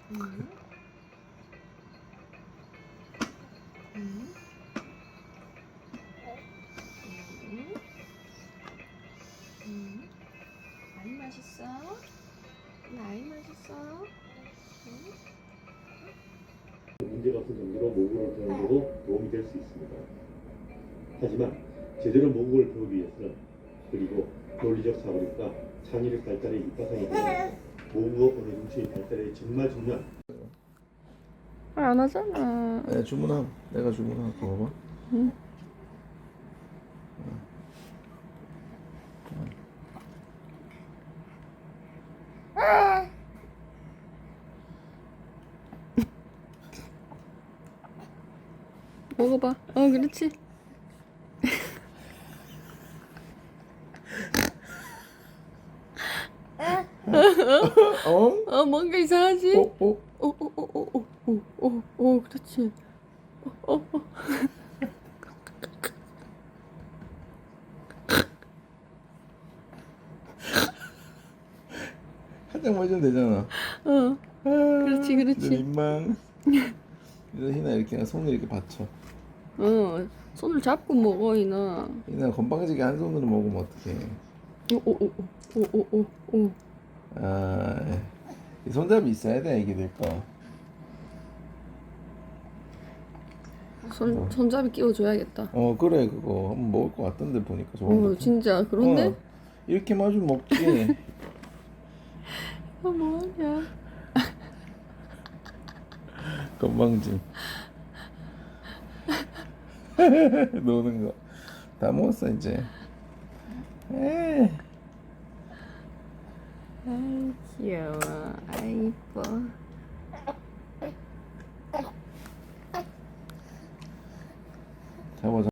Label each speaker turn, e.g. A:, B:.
A: 음. 음. 많이 맛있어? 많이 맛있어?
B: 문제 같은 정도로 모국어를 배우는 데도 도움이 될 수 있습니다. 하지만 제대로 모국어를 배우기 위해서는 그리고 논리적 사고력과 창의력 발달의 밑바탕이 되어 모국어 언어 중심의 발달에 정말 중요한
A: 안 하잖아.
C: 내가 주문하고 내가 주문하고 봐봐.
A: 응. 먹어봐. 그렇지. 뭔가 이상하지? 그렇지.
C: 한 장만 해주면 되잖아.
A: 그렇지, 그렇지.
C: 이제 민망. 이제 희나 이렇게 그냥 손을 이렇게 받쳐.
A: 손을 잡고 먹어, 이나.
C: 희나 건방지게 한 손으로 먹으면 어떡해.
A: 오.
C: 아, 이 손잡이 있어야 돼 애기들 거.
A: 손잡이 끼워줘야겠다.
C: 그래 그거 한번 먹을 것 같던데 보니까 좋은 거.
A: 진짜, 그런데?
C: 이렇게 마주면 먹지.
A: 뭐하냐.
C: 건방짐. 노는 거. 다 먹었어 이제. 에이.
A: 아이, 귀여워. 아이, 이뻐.
C: 잡아.